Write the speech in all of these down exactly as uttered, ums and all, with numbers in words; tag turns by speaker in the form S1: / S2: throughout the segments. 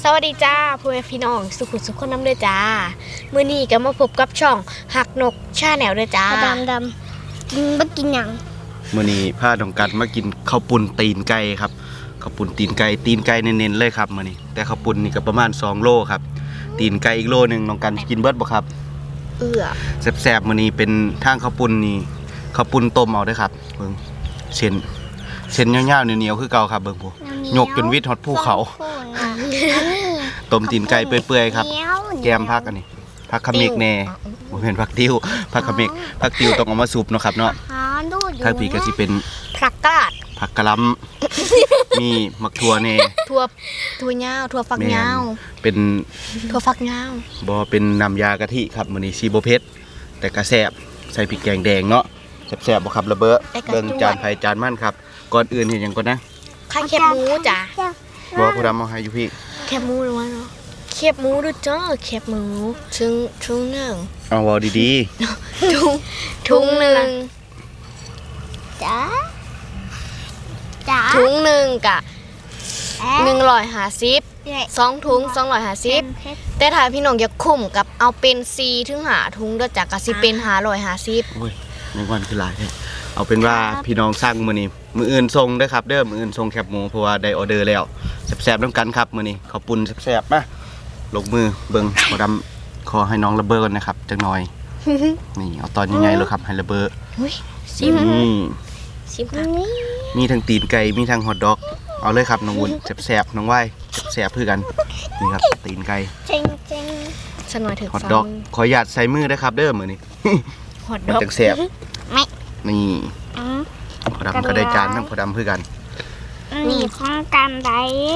S1: สวัสดีจ้าพ่อแม่พี่น้องสุขุมสุขคนน้ำเลยจ้ามื้อนี้ก็มาพบกับช่องหักนกชาแนลเลยจ้า
S2: ดำดำกินบ่กินหยัง
S3: มื้อนี้พาดองกันมากินข้าวปุ้นตีนไก่ครับข้าวปุ้นตีนไก่ตีนไก่เน้นๆเลยครับมื้อนี้แต่ข้าวปุ้นนี่ก็ประมาณสองโลครับตีนไก่อีกโลนึงน้องกันกินเบิดบ่ครับ
S1: เอื้อ
S3: แซ่บๆมื้อนี้เป็นทางข้าวปุ้นนี่ข้าวปุ้นต้มเอาเด้อครับเบิ่งเส้นเส้นยาวๆเหนียวๆคือเก่าครับเบิ่งผู้ยกจนวิทย์ฮอดภูเขาต้มตีนไก่เปื่อยๆครับแกมผักอันนี้ผักขมิกแน่บ่แม่นผักติ้วผักขมิกผักติ้วต้องเอามาสุบเนาะครับเนาะถ้าพี่ก็สิเป็น
S1: ผักกาด
S3: ผักกะหล่ำมีมักถั่วแน่
S1: ถั่วถั่วยาวถั่วฝักยาว
S3: เป็น
S1: ถั่วฝักยาว
S3: บ่เป็นน้ำยากะทิครับมื้อนี้สิบ่เผ็ดแต่ก็แซ่บใส่พริกแกงแดงเนาะแซ่บๆบ่ครับระเบ้อเบิ่งจานไผจานมันครับก่อนอื่นเฮ็ดหยังก่อนนะ
S1: ไข่แคบหมูจ้ะ
S3: บ่ผู้ดำเอาให้อยู่พี่
S1: แคบหมูหรือว่าเนาะแคบหมูด้วยจ้าแคบหมูถุงถุงหนึ่ง
S3: เอาเว้าดี
S1: ๆถุงถุงหนึ่ง
S2: จ้าจ้า
S1: ถุงหนึ่งกะหนึ่งร้อยห้าสิบสองถุงสองร้อยห้าสิบแต่ถ้าพี่น้องอยากคุ้มกับเอาเป็นสี่ถึงห้าถุงเด้อจ้ะก็สิเป็นห้าร้อยห้าสิบ
S3: โอ้ยในวันคือหลายแท้เอาเป็นว่าพี่น้องสั่งมื้อนี้มื้ออื่นส่งเด้อครับเด้อมื้ออื่นส่งแคบหมูเพราะว่าได้ออเดอร์แล้วแซ่บๆนำกันครับมื้อนี้ข้าวปุ้นแซ่บๆมาลงมือเบิ่งบ่ดำขอให้น้องระเบ้อก่อนนะครับจักหน่อยนี่เอาตอนใหญ่ๆเลยครับให้ระเบ้อ
S1: อุ้ยชิมชิมค่ะ
S3: มีทั้งตีนไก่มีทั้งฮอทดอกเอาเลยครับน้องวุ้นแซ่บๆน้องว่ายแซ่บๆคือกันนี่ครับตีนไก่
S2: เจ๋งเจ๋ง
S1: สักหน่อยถึง
S3: ฮอทดอกขออนุญาตใส่มือนะครับเด้อมื้อนี้
S1: ฮอทดอก
S3: จังแซ่บ
S2: ไม่
S3: นี่พอดำก็ได้จานทั้งพอดำคือกัน
S2: นี่ของกันได้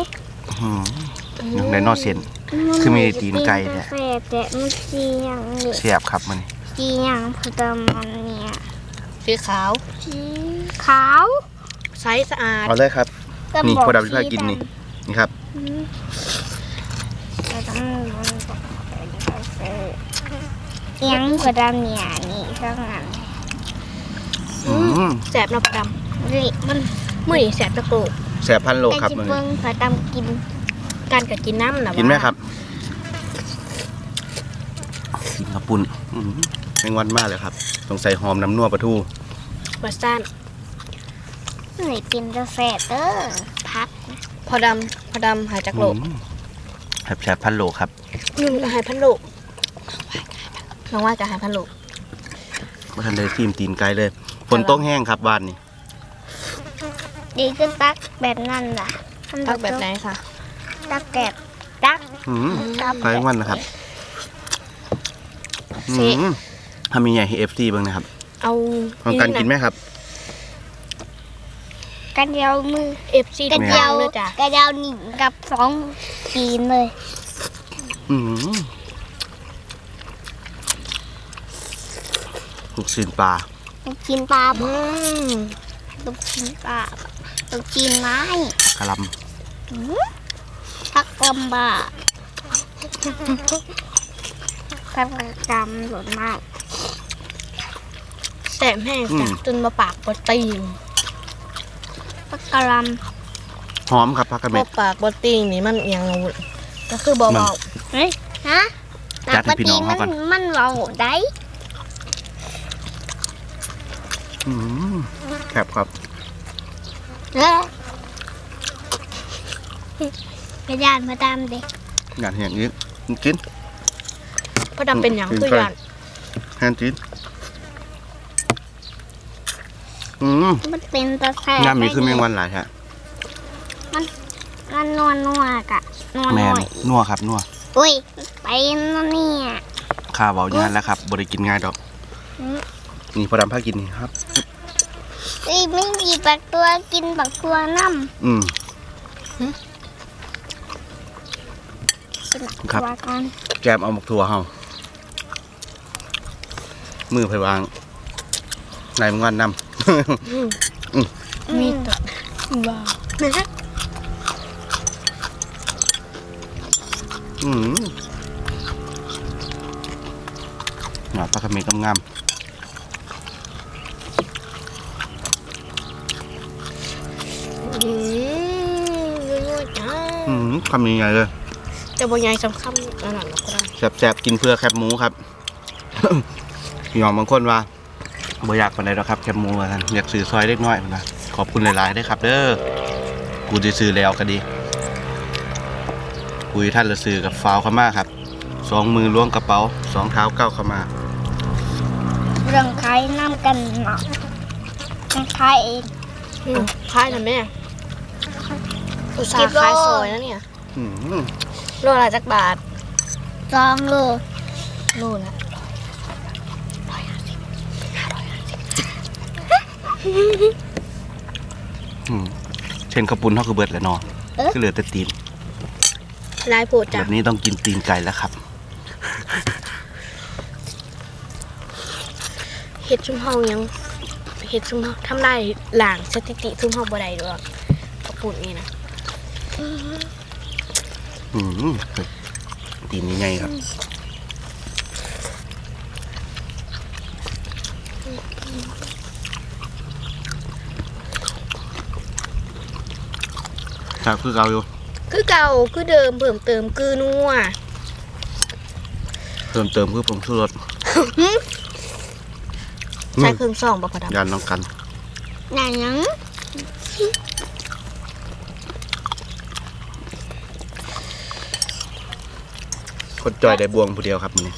S3: ยังได้นอเส้นคือมีตีนไก่เนี่ย
S2: แต่มันสีอย่างนี้
S3: แซ่บครับมัน
S2: สีอย่างพอดำมันเนี่ย
S1: สีขาว
S2: สีขาว
S1: ใสสะอาด
S3: เอาเลยครับนี่พอดำที่พากินนี่นี่ครับ
S2: ยังพอดำเนี่ยนี่ก็งั้น
S1: แสบนะพอดำนี่มันมือแสบตะโก
S3: แสบพันโลครับ
S2: มือพอดำกิน
S1: การกับกินน้ำนะ
S3: กินไหมครับกินข้าวปุ้นแมงวันมากเลยครับต้องใส่หอมน้ำนัวปลาทู
S1: วัดซ่าน
S2: นี่กินกาแฟเด้อพัก
S1: พอดำพอดำหายจากโล
S3: แสบแสบพันโลครับ
S1: นุ่มกับหายพันโลน้องว่ากับหายพันโล
S3: มาทันเลยทีมตีนไก่เลยฝนตกแห้งครับบ้านนี่
S2: ดีขึ้นตักแบบนั้นล่ะ
S1: ตักแบบไหนคะ
S2: ตักแกะตัก
S3: ไก่วันนะครับทำมีใหญ่ให้เอฟซีบ้างนะครับ
S1: เอา
S3: ลองกันกินไหมครับ
S2: กันเดียวมือ
S1: เอฟซี
S2: กันเดียวเลยจ้ะกันเดียวหนึ่งกับสองปีนเลย
S3: ลูกชิ้นปลา
S2: ลูกชิ้นปลาบ้างลูกชิ้นปลาลูกชิ้นไม้
S3: กะล
S2: ำผักกำบะผักกำหล่นมาก
S1: แสบแห้งจ้ะจนมาปากบดตีน
S2: ผักกะล
S3: ำหอมครับผักกะเม็ด
S1: ปากบดตีนนี่มันอย่างก็คือเบา
S2: ๆเฮ้ยฮะ
S3: จัดให้พี่น้องเขาก่อน
S2: มันเบาได้
S3: แคบครับ
S2: กระยานมาตามเด็ก
S3: งานอย่างนี้กิน
S1: พอดำเป็นอย่างคือยาน
S3: แฮนจิน
S2: มันเป็นตะแคง
S3: งานนี้คือแมงวันหลายฮะ
S2: มันมันนัวนัวกะนัว
S3: แมนนัวครับนัว
S2: อุ้ยไปนั่นนี่
S3: ข้าวเบาญานแล้วครับบริกินง่ายดอกนี่พอดำพากินนี่ครับ
S2: อีไม่มีปักตัวกินปักตัวน้ำ
S3: อืมครับแกมเอาหมกถั่วเฮามือไผวางนายมึงวันน้
S1: ำมีตัดว้าว
S3: อืมหน่อปลาขมิ้นงาม
S1: อืม
S3: อืมทำยังไงเลย
S1: จะบ่ใหญ่สำคัญอันนั้นก็ได้
S3: แซ่บๆกินเพื่อแคบหมูครับ พี่น้องบางคนว่าบ่อยากปานใดหรอกครับแคบหมูว่าซั่นอยากซื้อซอยเล็กน้อยพุ่นนะขอบคุณหลายๆเด้อครับ เด้อกูสิซื้อแล้วก็ดีคุยท่านละซื้อกับฟาวเข้ามาครับสองมือล้วงกระเป๋าสองเท้าก้าวเข้ามา
S2: เรื่องขายน้ำกันเนาะขายเอง
S1: อืมคล้ายนะแม่อุตส่าห์คล้ายซอยนะเนี่ย
S3: อืม
S1: โลละจักบาท
S2: จองโล
S1: โลละ
S3: อืมเช่นข้าวปุ้นเท่าคือเบิดแหละเนาะก็เหลือแต่ตีน
S1: ลายโพดจ้ะ
S3: แบบนี้ต้องกินตีนไก่แล้วครับ
S1: เฮ็ดชุมเฮายังเฮ็ดชุมเฮาทำได้หลังสถิติชุมเฮาบ่ได้ดอกกระปุ่นนี่นะ
S3: อืมตีนนี่ไงครับครับคือเราอยู่
S1: คือเก่าคือเดิมเพิ่มเติมคือนัว
S3: เพิ่มเติมคือผงชูรส
S1: ใช้เครื่องส่องบ่พอดำ
S3: ยานน้องกัน
S2: ไหนยัง
S3: คนจอยได้บวงผู้เดียวครับมื้อนี้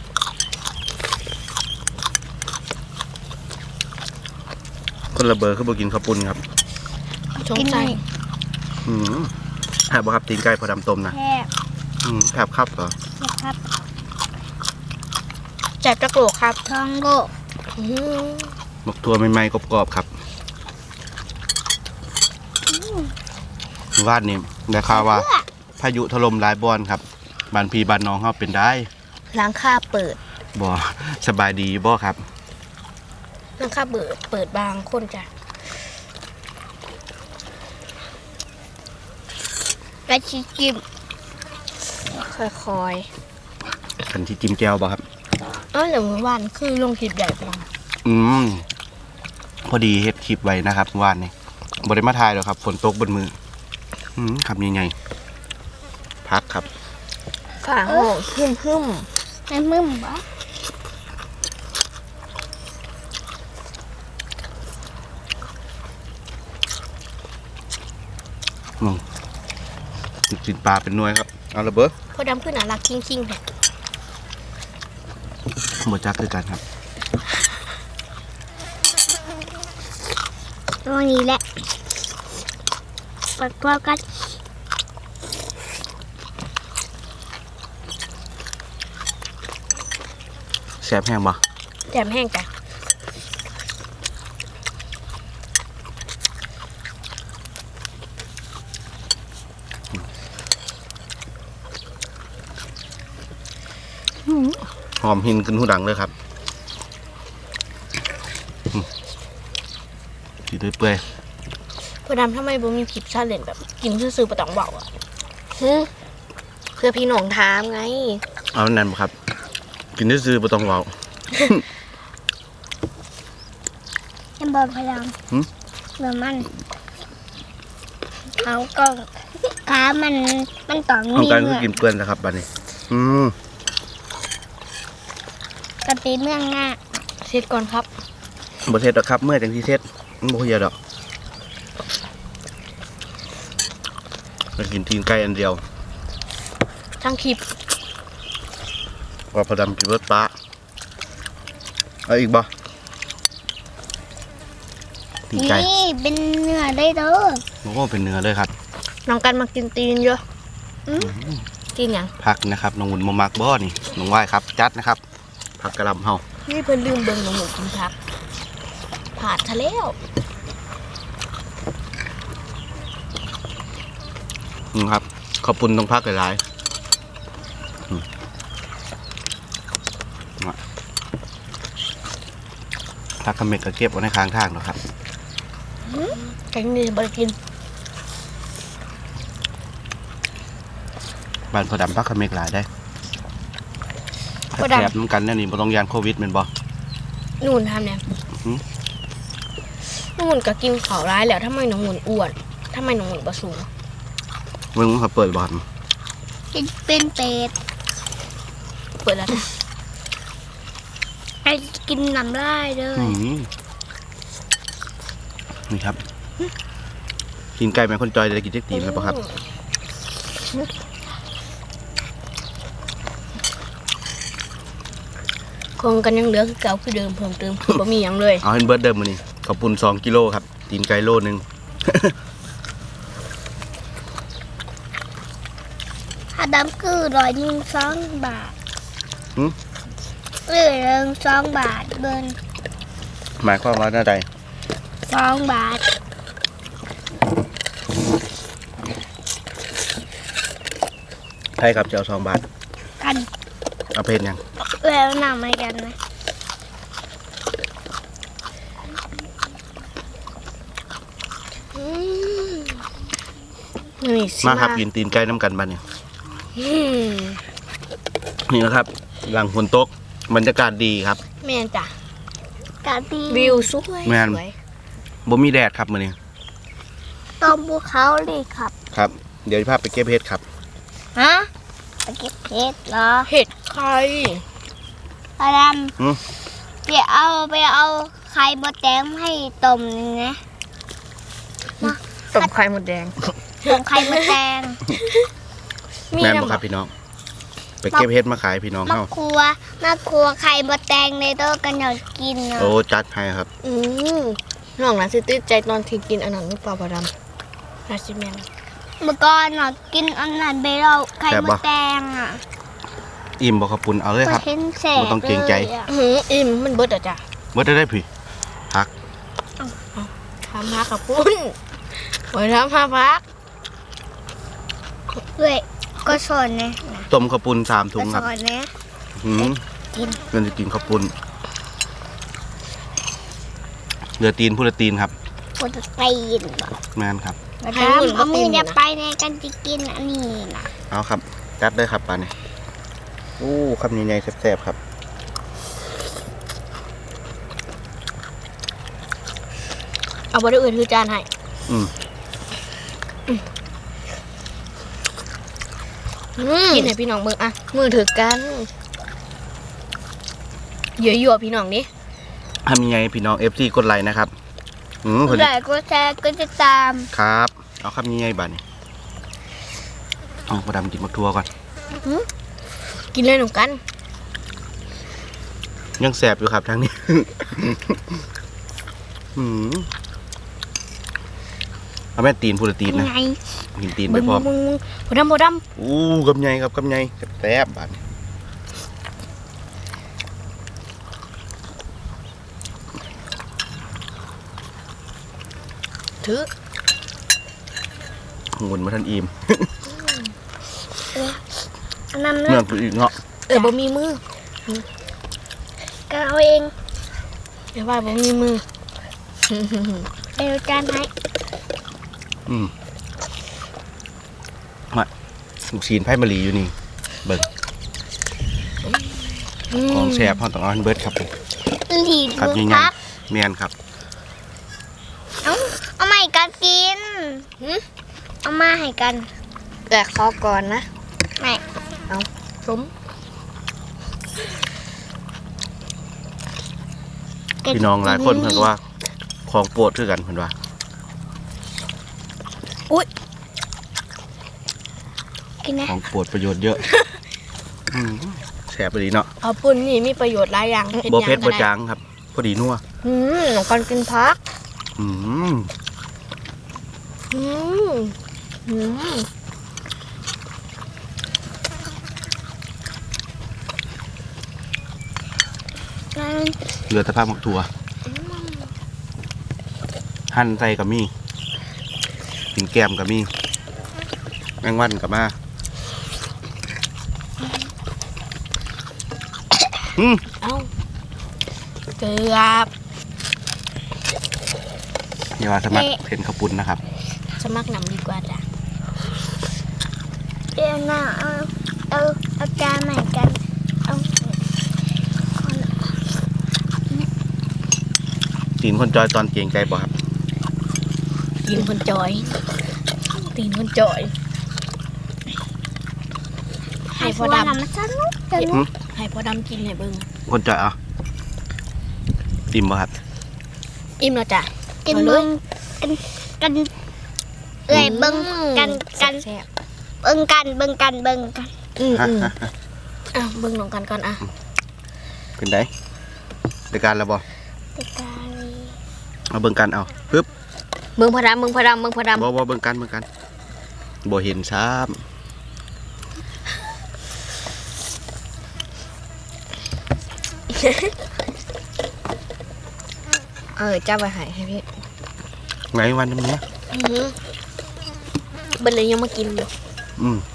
S3: คนละเบอร์คือบ่กินข้าวปุ้นครับ
S1: สงสัย
S3: อืมแอบบ่ครับตีนไก่พอดำต้มนะ
S2: แค่
S3: อืมแอบครับเหรอ
S2: นะครับ
S1: แจกจักโลครับ
S2: ทองโล
S1: อื้อ
S3: หมกตัวใหม่ๆกรอบๆครับวาดนี่ได้ข่าวว่า พายุถล่มหลายบ่อนครับบ้านพี่บ้านน้องเฮาเป็นได้
S1: หลังค่าเปิด
S3: บ่สบายดีอยู่บ่ครับ
S1: หลังค่าเปิดเปิดบางคนจ้ะ
S2: กระชิจิม
S1: ค่อย
S3: คันที่จิ้มแจ่วบ่ครับ
S1: ๆเอ้าเดี๋ยวมื้อวานคือลงคลิปใหญ่ไปแล้ว
S3: อืมพอดีเฮ็ดคลิปไว้นะครับวานนี้บ่ได้มาถ่ายหรอกครับฝนตกบนมืออืมครับยังไงพักครับ
S1: ฝ่าห้องหึ่มหึ่ม
S2: ในมึมบ่
S3: อืมกินปลาเป็นหน่วยครับเอาละเบ้อ
S1: พอดำขึ้นน่ารักคิงคิงแท้
S3: บ่จักคือกันครับ
S2: ตัวนี้แหละปักตัวกัน
S3: แซ่บแห้งบ่
S1: แถมแห้งจ้ะ
S3: หอมหินขึ้นหูดังเลยครับอืมสีเปื่อย
S1: พอดำทำไมบ่มีคลิปชาเลนจ์แบบกินซื่อๆบ่ต้องเว้าอ่ะฮึเพื่อพี่น้องถามไง
S3: ๆเอานั่นบ่ครับ กินซื่อๆบ่ต้องเว้า
S2: ยังบอลพลัง
S3: หืม
S2: เมื่อมันเขาก็ขามันมันต่อ
S3: ต้อง
S2: มี
S3: การ
S2: เมื
S3: คือ
S2: อง
S3: กินเปื้อนนะครับบัดนี้ อืม
S2: กะตีเมืองหน้า
S1: เสร็จก่อนครับ
S3: บ่เทศดอกครับ เมื่อจังที่เทศมันบ่เฮียดอกมันกินตีนไก่อันเดียว
S1: ทั้งคลิป
S3: ว่าพอดำกินเบิดปลาเอาอีกบ่ตีนไก่
S2: นี่เป็นเนื้อได้เด้อ
S3: โอ้เป็นเนื้อเลยครับ
S1: น้องกันมากินตีนเยอะ
S2: อืม
S1: ตีนหยัง
S3: ผักนะครับน้องหุ่นบ่มักบ่นี่น้องว่ายครับ จัดนะครับผักกะหล่ำเฮา
S1: นี่เพิ่นลืมเบิ่งน้องหมูกินผักผ่านทะแล้ว
S3: อืมครับขอบคุณต้องพักหลายๆอืมมาผักกะเม็ดก็เก็บไว้ในข้างทางเนาะครับ
S1: แกงนี่บ่ได้กิน
S3: บ้านพอดำผักกะเม็ดหลายได้
S1: พอดำ
S3: แสบน้ำกันแน่นี่บ่ต้องยานโควิดแม่นบ่
S1: นู่นทำเนี่ย
S3: หืม
S1: นู่นก็กินข้าวร้ายแล้วทำไมน้องหมุนอ้วนทำไมน้องหมุนบ่สูง
S3: มึงเขาเปิดบ่อน
S2: กินเป็นเป็ด
S1: เปิดแล้วนะ
S2: ไอ้กินน้ำลายเล
S3: อื
S2: ย
S3: มนี่ครับ กินไก่แม่คนจอยจะได้กินเจ๊กตีนแล้วปะครับ
S1: คงกันยังเหลือคือเก่าคือเดิมเพิ่มเติมบ่มีหยังเลย
S3: เอาให้เบิร์ดเดิมมานี่ข้าวปุ้นสองกิโลครับ ตีนไก่โลนึง
S2: ถ้าดำคือร้อยหนึ่งสองบาท
S3: หืม
S2: เออหนึ่งสองบาทเบิร์น
S3: หมายความว่าหน้าใด
S2: สองบาท
S3: ใช่ครับจะเอาสองบาท
S2: กัน
S3: เอาเพนยัง
S2: แล้วนำมากันนะ
S1: อืมนี่สิ
S3: มาครับกินตีนไก่น้ำกันบ้านเนี่ย
S1: อืม
S3: นี่นะครับ หลังฝนตกบรรยากาศดีครับ
S1: แม่นจ้ะ
S2: กาตี
S1: วิวสวย
S3: แม่น
S1: สวย
S3: บ่มีแดดครับมื้อนี้
S2: ต้มภูเขาเลยครับ
S3: ครับ เดี๋ยวจะพาไปเก็บเห็ดครับ
S2: ฮะไปเก็บเพชรเหรอ
S1: เห็ดไข่
S2: พาด
S3: หืม
S2: ำไปเอาไปเอาไข่บดแดงให้ต้มนึงนะ
S1: ต้มไข่หมดแดง
S2: ต้มไข่บดแดง
S1: มี
S3: แม่น
S1: น้ำ
S3: บ่ครับพี่น้อง ไปเก็บเห็ดมาขายพี่น้อง
S2: มะ
S3: เฮา
S2: ครัวมะครัวไข่บดแดงในโต๊ะกันอยากกินเนาะ
S3: โอ้จัดให้ครับ
S1: อืมน้องน่ะสิติดใจตอนที่กินอันนั้นหรือเปล่าบ่ดำน่าสิแม่น
S2: เมื่อก่อนเนาะกินอันนั้นไปเราไข่บดแดงอ่ะ
S3: อิ่มบ่ครับปุ้นเอาเลยครับ
S2: เห็นแส
S3: บ่ต้องเกรงใจ
S2: ลยอะ
S1: อื้อหืออิ่มมันเบิดอ่ะจ้ะ
S3: บ่ได้ได้พี่ผัก
S1: ทำพักกับปุ้นไว้ทำห้าพัก
S2: เว้ยก็สอนนะ
S3: ต้มข้าวปุ้นสามถุ
S2: ก็
S3: ง
S2: ส
S3: ครับ
S2: อนนะ
S3: หืม
S2: กิน
S3: เงินจะกินข้าวปุ้นเหลือตีนผู้ละตีนครับ
S2: ปวดตีนบอก
S3: แม่นครับ
S2: มาดามเอามือจะไปในกันจะกินอันนี้นะ
S3: เอาครับจัดเลยครับปลาเนี่ยโอ้คำใหญ่ๆแซ่บๆครับ
S1: เอาบ่ได้อื่นคือจานให้
S3: อืม
S1: กินให้พี่น้องเบิ่งอ่ะมือถือกันเยอะๆพี่น้องนี่
S3: ทำยังไงพี่น้อง เอฟ ซี กดไลค์นะครับอืมพอดี
S2: ได้ก็แชร์ก็จะตาม
S3: ครับ เอาคำยังไงบ้านี่เอาพอดำกินมักทัวก่อน
S1: กินเลยหนูกัน
S3: ยังแสบอยู่ครับทางนี้ อืมเอาแม่ตีนพูดตีนนะ
S2: ไง
S3: กินตีนไป
S1: เบิ่ง
S3: พร้อม
S1: มึงบ่ดำบ่ด
S3: อู้กำไยครับกำไยแซ่บๆบาดนี้
S1: ำถือ
S3: หมุนมาทันอิ่ม
S2: น้ำ
S3: เนื่
S2: เลื
S3: อ
S2: อง ด
S3: ตัวอีกเงาะ
S1: เออบ่มีมือ
S2: ก็เอาเอง
S1: เดี๋ยวว่าบ่มีมือ
S2: เอวจานให้
S3: อืมมาลูกชิ้นไผ่มะลีอยู่นี่ เบิ่งของแซ่บเฮาต้องเอาให้เบิดครับผม
S2: หลีด
S3: ครับ
S2: มื
S3: ยั
S2: อง
S3: ไง
S2: พัก
S3: แม่นครับ
S2: เอาเอามาให้กันกิน
S1: หึ
S2: เอามาให้กัน
S1: แต่ขอก่อนนะ
S2: ไม่
S1: สม
S3: พี่น้องหลายคนเพิ่นก็ว่า ของโปรดคือกันเพิ่นว่า
S2: กินนะ
S3: ของโปรดประโยชน์เยอะ อืมแซ่บไปดีเนาะ
S1: เอาปุ่นนี่มีประโยชน์หลายอย่าง
S3: บ่เผ็ด
S1: หยัง
S3: บ่
S1: ก็ไ
S3: จางครับ พอดีนัว
S1: อืมหนูกันกินพัก
S3: อืม
S1: อืมอืม
S3: เหลือแต่ภาพหมกถั่วหั่นใส่กับมีกินแกมกับมีแมงวันกับมาอืม
S1: เอ้าเกือบ
S3: อย่าว่าสมัครเพนขาวปุ้นนะครับ
S1: สมัครนำดีกว่าจ้ะ
S2: เดี๋ยวนะเอาเอาเอาจานใหม่กันเอา
S3: ตีนคนจอยตอนเกียงใจบ่ครับ
S1: ตีนคนจอยตีนคนจอยให้พ่อดำ
S2: มันสนุกสนุก
S1: ให้พ่อดำกินให้เบิ่ง
S3: คนจ่อยเอาอิ่มบ่ครับ
S1: อิ่มแล้วจ้ะ
S2: กินเบิ้งกันกันเอ้ยเบิ้งกันกัน
S1: แซ่บ
S2: เบิ้งกันเบิ้งกันเบิ้งกัน
S1: ๆอืมอืมอ่ะเบิ่งน้องกันก่อนอ่ะ
S3: เป็นไดในการแล้วบ่
S2: ติกาลี
S3: เอาเบิ่งกันเอาปึ๊บ
S1: เบิ่งพ่อดำเบิ่งพ่อดำเบิ่งพ่อดำ
S3: บ่บ่เบิ่งกันเบิ่งกันบ่เห็นซ้ำ
S1: เออจ้าไปให้ให้พี่
S3: ไงวันนี้
S1: อือหือเบิ่งเลยยังมากินอยู่
S3: อืม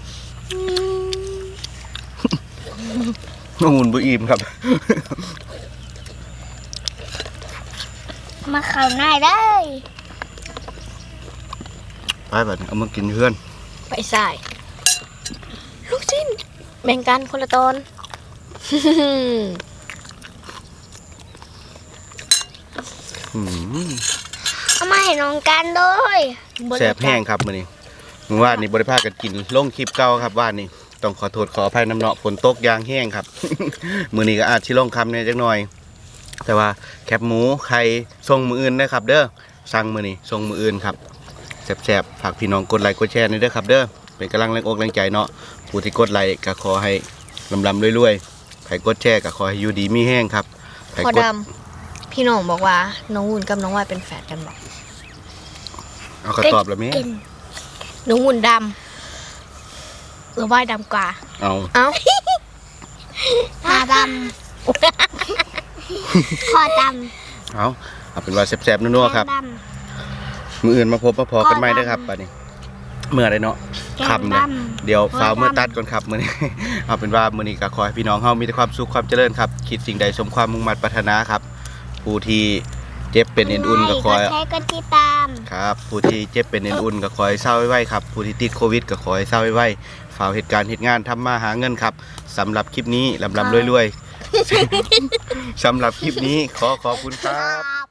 S3: องุ่นบ่อิ่มครับ
S2: มาเข้าหน้าได้
S3: ไปบัดนี้เอามากินเพื่อน
S1: ไปใส่ลูกชิ้นแบ่งกันคนละตอน
S3: อืม
S2: เอามาให้น้องกันด้วย
S3: แสบแห้งครับมื้อนี้มื้อว่านนี่บ่ได้พากันกินลงคลิปเก่าครับว่านนี่ต้องขอโทษขออภัยน้ำเนาะฝนตกยางแห้งครับ มื้อนี้ก็อาจสิลงคำเนี่ยจักหน่อย แต่ว่าแคบหมูไข่ส่งมื้ออื่นนะครับ เด้อสั่งมื้อนี้ส่งมื้ออื่นครับแซ่บๆฝากพี่น้องกดไลค์กดแชร์หน่อยเด้อครับ เด้อเป็นกำลังแรงอกแรงใจเนาะผู้ที่กดไลค์ก็ขอให้ลำๆรวยๆใครกดแชร์ก็ขอให้อยู่ดีมีแห้งครับใคร
S1: พ่อก
S3: ด
S1: ดำพี่น้องบอกว่าน้องวุ่นกับน้องวายเป็นแฝดกันบอก
S3: เอากระตอบแล้วแม่
S2: กิน
S1: น้องวุ่นดำเออวายดำกว่า
S3: เอา
S1: เอ้า
S2: ตาดำคอด
S3: เอาเอาเป็นว่าแซ่บๆนัว
S2: ำ
S3: ๆครับ
S2: ด
S3: มืออื่นมาพบมาพอกันใหม่เด้อครับบัดนี้เมื่อไรเนาะ
S2: ำแก้ม
S3: คำเนี่ย
S2: ดำ
S3: เดี๋ยวฟ้าว
S2: โอ้ย
S3: เมื่อ
S2: ดำ
S3: ตัดก่อนครับมื้อนี้ เอาเป็นว่ามื้อนี้ก็ขอให้พี่น้องเฮามีแต่ความสุขความเจริญครับคิดสิ่งใดสมความมุ่งมั่นปรารถนาครับ ผู้ที่เจ็บเป็นเอ็นอุ่นก็ขอให้
S2: กดแชร์กดติดตาม
S3: ครับผู้ที่เจ็บเป็นเอ็นอุ่นก็ขอให้เศร้าไว้ๆครับผู้ที่ติดโควิดก็ขอให้เศร้าไว้ๆฝ่าวเหตุการณ์เหตุงานทำมาหาเงินครับสำหรับคลิปนี้ลำๆรวยๆ สำหรับคลิปนี้ขอขอบคุณครับ